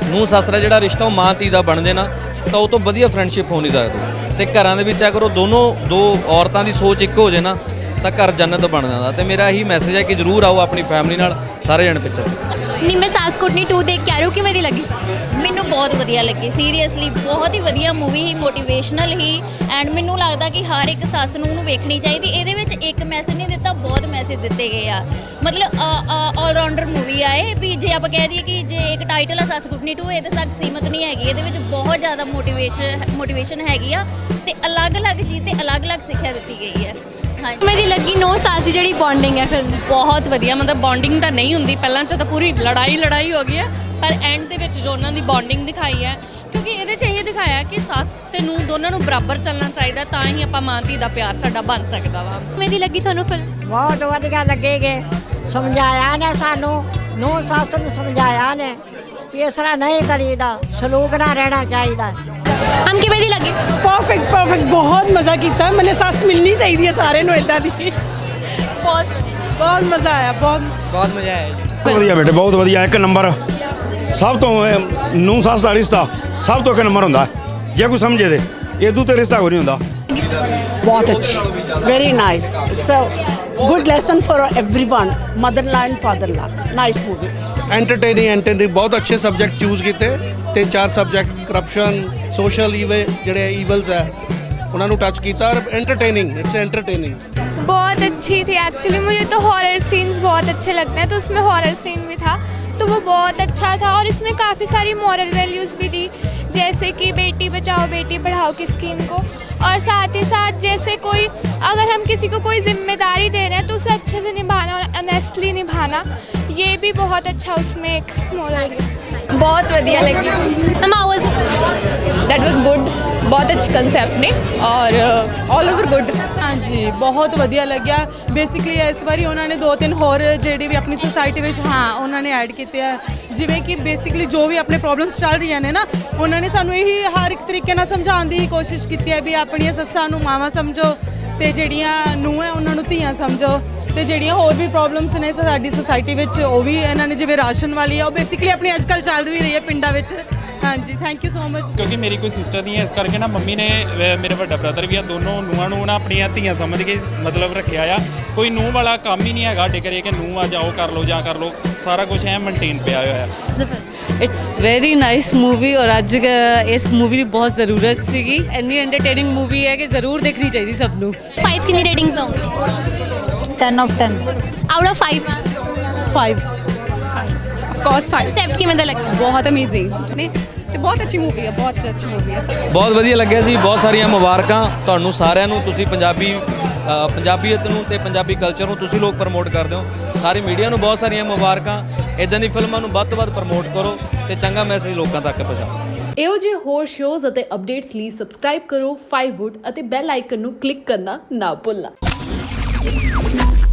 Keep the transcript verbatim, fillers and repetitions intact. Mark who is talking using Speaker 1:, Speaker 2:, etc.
Speaker 1: ਨੂੰ ਸੱਸ ਦਾ ਜਿਹੜਾ ਰਿਸ਼ਤਾ ਉਹ ਮਾਂ ਧੀ ਦਾ ਬਣ ਜੇ ਨਾ ਤਾਂ ਉਹ ਤੋਂ ਵਧੀਆ ਫਰੈਂਡਸ਼ਿਪ ਹੋ ਨਹੀਂ ਸਕਦੀ। ਤੇ ਘਰਾਂ ਦੇ ਵਿੱਚ ਅਗਰ ਉਹ ਦੋਨੋਂ ਦੋ ਔਰਤਾਂ ਦੀ ਸੋਚ ਇੱਕ ਹੋ ਜੇ ਨਾ ਤਾਂ ਘਰ ਜੰਨਤ ਬਣ ਜਾਂਦਾ। ਤੇ ਮੇਰਾ ਇਹੀ ਮੈਸੇਜ ਹੈ ਕਿ ਜ਼ਰੂਰ ਆਓ ਆਪਣੀ ਫੈਮਿਲੀ ਨਾਲ ਸਾਰੇ ਜਣੇ ਪਿਕਚਰ।
Speaker 2: ਨਹੀਂ, ਮੈਂ ਸਾਸ ਕੁੱਟਣੀ ਟੂ ਦੇਖ ਕੇ ਆ ਰਹੀ ਹੂੰ, ਕਿਵੇਂ ਦੀ ਲੱਗੀ? ਮੈਨੂੰ ਬਹੁਤ ਵਧੀਆ ਲੱਗੀ, ਸੀਰੀਅਸਲੀ ਬਹੁਤ ਹੀ ਵਧੀਆ ਮੂਵੀ ਹੀ, ਮੋਟੀਵੇਸ਼ਨਲ ਹੀ। ਐਂਡ ਮੈਨੂੰ ਲੱਗਦਾ ਕਿ ਹਰ ਇੱਕ ਸੱਸ ਨੂੰ ਉਹਨੂੰ ਵੇਖਣੀ ਚਾਹੀਦੀ। ਇਹਦੇ ਵਿੱਚ ਇੱਕ ਮੈਸੇਜ ਨਹੀਂ ਦਿੱਤਾ, ਬਹੁਤ ਮੈਸੇਜ ਦਿੱਤੇ ਗਏ ਆ। ਮਤਲਬ ਆਲਰਾਊਂਡਰ ਮੂਵੀ ਆ ਇਹ ਵੀ। ਜੇ ਆਪਾਂ ਕਹਿ ਦਈਏ ਕਿ ਜੇ ਇੱਕ ਟਾਈਟਲ ਆ ਸੱਸ ਕੁੱਟਣੀ ਟੂ, ਇਹਦੇ ਤੱਕ ਸੀਮਤ ਨਹੀਂ ਹੈਗੀ। ਇਹਦੇ ਵਿੱਚ ਬਹੁਤ ਜ਼ਿਆਦਾ ਮੋਟੀਵੇਸ਼ਨ ਮੋਟੀਵੇਸ਼ਨ ਹੈਗੀ ਆ ਤੇ ਅਲੱਗ-ਅਲੱਗ ਚੀਜ਼ ਤੇ ਅਲੱਗ-ਅਲੱਗ ਸਿੱਖਿਆ ਦਿੱਤੀ ਗਈ ਹੈ। ਹਾਂਜੀ, ਮੇਰੀ ਲੱਗੀ ਨੌ ਸਾਸ ਦੀ ਜਿਹੜੀ ਬੌਂਡਿੰਗ ਹੈ ਫਿਲਮ ਦੀ
Speaker 3: ਬਹੁਤ ਵਧੀਆ। ਮਤਲਬ ਬੌਂਡਿੰਗ ਤਾਂ ਨਹੀਂ ਹੁੰਦੀ, ਪਹਿਲਾਂ 'ਚ ਤਾਂ ਪੂਰੀ ਲੜਾਈ ਲੜਾਈ ਹੋ ਗਈ ਹੈ, ਪਰ ਐਂਡ ਦੇ ਵਿੱਚ ਜੋ ਉਹਨਾਂ ਦੀ ਬੌਂਡਿੰਗ ਦਿਖਾਈ ਹੈ, ਕਿਉਂਕਿ ਇਹਦੇ 'ਚ ਇਹ ਦਿਖਾਇਆ ਕਿ ਸੱਸ ਤੇ ਨੂੰ ਦੋਨਾਂ ਨੂੰ ਬਰਾਬਰ ਚੱਲਣਾ ਚਾਹੀਦਾ, ਤਾਂ ਹੀ ਆਪਾਂ ਮਾਂ ਧੀ ਦਾ ਪਿਆਰ ਸਾਡਾ ਬਣ ਸਕਦਾ ਵਾ।
Speaker 2: ਕਿਵੇਂ ਦੀ ਲੱਗੀ ਤੁਹਾਨੂੰ ਫਿਲਮ?
Speaker 4: ਬਹੁਤ ਵਧੀਆ ਲੱਗੇਗੇ। ਸਮਝਾਇਆ ਨੇ ਸਾਨੂੰ, ਨੂੰ ਸੱਸ ਨੂੰ ਸਮਝਾਇਆ ਨੇ ਵੀ ਇਸ ਤਰ੍ਹਾਂ ਨਹੀਂ ਕਰੀਦਾ, ਸਲੂਕ ਨਾਲ ਰਹਿਣਾ ਚਾਹੀਦਾ।
Speaker 2: ਹਮ ਕਿਵੇਂ ਦੀ ਲੱਗੀ?
Speaker 5: परफेक्ट परफेक्ट बहुत मज़ा किया। मैंने सस मिलनी चाहिए सारे ਨੂੰ इदां दी। बहुत बहुत मज़ा आया, बहुत
Speaker 1: ਬਹੁਤ ਮਜ਼ਾ ਆਇਆ ਜੀ।
Speaker 6: ਬਹੁਤ ਵਧੀਆ ਬੇਟੇ, ਬਹੁਤ ਵਧੀਆ। ਇੱਕ ਨੰਬਰ ਸਭ ਤੋਂ ਨੂੰ ਸੱਸ ਦਾ ਰਿਸ਼ਤਾ ਸਭ ਤੋਂ ਇੱਕ ਨੰਬਰ ਹੁੰਦਾ ਜੇ ਕੋਈ ਸਮਝੇ ਤੇ। ਇਦੋਂ ਤੇ ਰਿਸ਼ਤਾ ਕੋਈ ਨਹੀਂ ਹੁੰਦਾ।
Speaker 5: बहुत अच्छी, very nice. It's a good lesson for everyone, mother law and father law. Nice movie.
Speaker 7: Entertaining entertaining ਬਹੁਤ ਅੱਛੇ ਸਬਜੈਕਟ ਚੂਜ਼ ਕੀਤੇ। ਤਿੰਨ ਚਾਰ ਸਬਜੈਕਟ ਕਰਪਸ਼ਨ, ਸੋਸ਼ਲ ਈਵੇ ਜਿਹੜੇ ਈਵਲਸ ਹੈ ਉਹਨਾਂ ਨੂੰ ਟੱਚ ਕੀਤਾ ਔਰ एंटरटेनिंग इट्स एंटरटेनिंग।
Speaker 8: बहुत अच्छी थी एक्चुअली। मुझे तो हॉरर सीन्स बहुत अच्छे लगते हैं, तो उसमें हॉरर सीन भी था तो वो बहुत अच्छा था। और इसमें काफ़ी सारी मॉरल वैल्यूज़ भी दी, जैसे कि बेटी बचाओ बेटी पढ़ाओ की स्कीम को। और साथ ही साथ जैसे कोई अगर हम किसी को कोई जिम्मेदारी दे रहे हैं तो उसे अच्छे से निभाना और ऑनेस्टली निभाना, ये भी बहुत अच्छा उसमें एक मॉरल है।
Speaker 5: बहुत ਵਧੀਆ ਲੱਗੀ।
Speaker 2: ਮੈਮ ਆਵਾਜ਼
Speaker 3: ਦੈਟ ਵਾਸ ਗੁੱਡ। ਬਹੁਤ ਅੱਛੇ ਕਨਸੈਪਟ ਨੇ ਔਰ ਆਲ ਓਵਰ ਗੁੱਡ।
Speaker 9: ਹਾਂਜੀ, ਬਹੁਤ ਵਧੀਆ ਲੱਗਿਆ। ਬੇਸਿਕਲੀ ਇਸ ਵਾਰੀ ਉਹਨਾਂ ਨੇ ਦੋ ਤਿੰਨ ਹੋਰ ਜਿਹੜੇ ਵੀ ਆਪਣੀ ਸੁਸਾਇਟੀ ਵਿੱਚ ਹਾਂ ਉਹਨਾਂ ਨੇ ਐਡ ਕੀਤੇ ਆ, ਜਿਵੇਂ ਕਿ ਬੇਸਿਕਲੀ ਜੋ ਵੀ ਆਪਣੇ ਪ੍ਰੋਬਲਮਸ ਚੱਲ ਰਹੀਆਂ ਨੇ ਨਾ, ਉਹਨਾਂ ਨੇ ਸਾਨੂੰ ਇਹੀ ਹਰ ਇੱਕ ਤਰੀਕੇ ਨਾਲ ਸਮਝਾਉਣ ਦੀ ਕੋਸ਼ਿਸ਼ ਕੀਤੀ ਹੈ ਵੀ ਆਪਣੀਆਂ ਸੱਸਾਂ ਨੂੰ ਮਾਵਾਂ ਸਮਝੋ ਤੇ ਜਿਹੜੀਆਂ ਨੂੰਹ ਹੈ ਉਹਨਾਂ ਨੂੰ ਧੀਆਂ ਸਮਝੋ। ਤੇ ਜਿਹੜੀਆਂ ਹੋਰ ਵੀ ਪ੍ਰੋਬਲਮਸ ਨੇ ਸਾਡੀ ਸੁਸਾਇਟੀ ਵਿੱਚ ਉਹ ਵੀ ਇਹਨਾਂ ਨੇ, ਜਿਵੇਂ ਰਾਸ਼ਨ ਵਾਲੀ ਆ, ਉਹ ਬੇਸਿਕਲੀ ਆਪਣੀ ਅੱਜ ਕੱਲ੍ਹ ਚੱਲ ਵੀ ਰਹੀ ਹੈ ਪਿੰਡਾਂ ਵਿੱਚ। ਹਾਂਜੀ, ਥੈਂਕ ਯੂ ਸੋ ਮਚ।
Speaker 10: ਕਿਉਂਕਿ ਮੇਰੀ ਕੋਈ ਸਿਸਟਰ ਨਹੀਂ ਹੈ, ਇਸ ਕਰਕੇ ਨਾ ਮੰਮੀ ਨੇ ਅ, ਮੇਰੇ ਵੱਡਾ ਬ੍ਰਦਰ ਵੀ ਆ, ਦੋਨੋਂ ਨੂੰਹਾਂ ਨੂੰ ਨਾ ਆਪਣੀਆਂ ਧੀਆਂ ਸਮਝ ਕੇ ਮਤਲਬ ਰੱਖਿਆ ਆ। ਕੋਈ ਨੂੰਹ ਵਾਲਾ ਕੰਮ ਹੀ ਨਹੀਂ ਹੈਗਾ ਸਾਡੇ ਘਰੇ ਕਿ ਨੂੰਹ ਆ ਜਾਓ ਕਰ ਲਓ ਜਾਂ ਕਰ ਲਓ, ਸਾਰਾ ਕੁਝ ਐ ਮੇਨਟੇਨ ਪਿਆ ਹੋਇਆ ਹੈ।
Speaker 3: ਇਟਸ ਵੈਰੀ ਨਾਈਸ ਮੂਵੀ ਔਰ ਅੱਜ ਇਸ ਮੂਵੀ ਦੀ ਬਹੁਤ ਜ਼ਰੂਰਤ ਸੀਗੀ। ਇੰਨੀ ਐਂਟਰਟੇਨਿੰਗ ਮੂਵੀ ਹੈ ਕਿ ਜ਼ਰੂਰ ਦੇਖਣੀ ਚਾਹੀਦੀ ਸਭ ਨੂੰ।
Speaker 2: फाइव कितनी रेटिंग्स दोगे?
Speaker 5: Ten of ten.
Speaker 2: Out of five
Speaker 5: five of course five.
Speaker 2: Concept किਵੇਂ ਦਾ ਲੱਗਾ?
Speaker 5: बहुत अमेजिंग नहीं ਤੇ ਬਹੁਤ ਅੱਛੀ ਮੂਵੀ ਹੈ, ਬਹੁਤ ਅੱਛੀ ਮੂਵੀ ਹੈ।
Speaker 1: ਬਹੁਤ ਵਧੀਆ ਲੱਗਿਆ ਜੀ। ਬਹੁਤ ਸਾਰੀਆਂ ਮੁਬਾਰਕਾਂ ਤੁਹਾਨੂੰ ਸਾਰਿਆਂ ਨੂੰ। ਤੁਸੀਂ ਪੰਜਾਬੀ ਅ, ਪੰਜਾਬੀਅਤ ਨੂੰ ਤੇ ਪੰਜਾਬੀ ਕਲਚਰ ਨੂੰ ਤੁਸੀਂ ਲੋਕ ਪ੍ਰਮੋਟ ਕਰਦੇ ਹੋ। ਸਾਰੀ ਮੀਡੀਆ ਨੂੰ ਬਹੁਤ ਸਾਰੀਆਂ ਮੁਬਾਰਕਾਂ। ਇਦਾਂ ਦੀ ਫਿਲਮਾਂ ਨੂੰ ਵੱਧ ਤੋਂ ਵੱਧ ਪ੍ਰਮੋਟ ਕਰੋ ਤੇ ਚੰਗਾ ਮੈਸੇਜ ਲੋਕਾਂ ਤੱਕ ਪਹੁੰਚਾਓ।
Speaker 3: ਇਹੋ ਜਿਹੇ ਹੋਰ ਸ਼ੋਜ਼ ਅਤੇ ਅਪਡੇਟਸ ਲਈ ਸਬਸਕ੍ਰਾਈਬ ਕਰੋ ਫਾਈਵ ਵੁੱਡ ਅਤੇ ਬੈਲ ਆਈਕਨ ਨੂੰ ਕਲਿੱਕ ਕਰਨਾ ਨਾ ਭੁੱਲਣਾ।